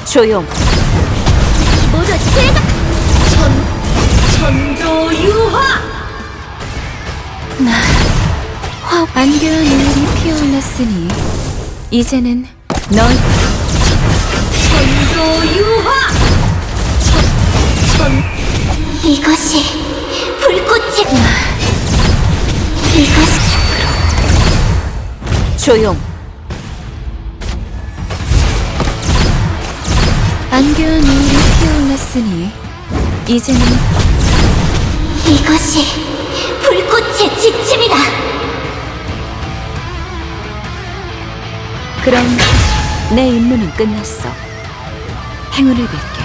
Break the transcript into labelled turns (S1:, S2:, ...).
S1: 조용.
S2: 모두 제가 천조유화.
S1: 안개와 노을이 피어올랐으니 이제는 널
S2: 천조유화. 이것이 불꽃의 이것이
S1: 조용. 안개와 노을이 피어올랐으니 이제는
S2: 이것이 불꽃의 지침이다.
S1: 그럼 내 임무는 끝났어. 행운을 빌게.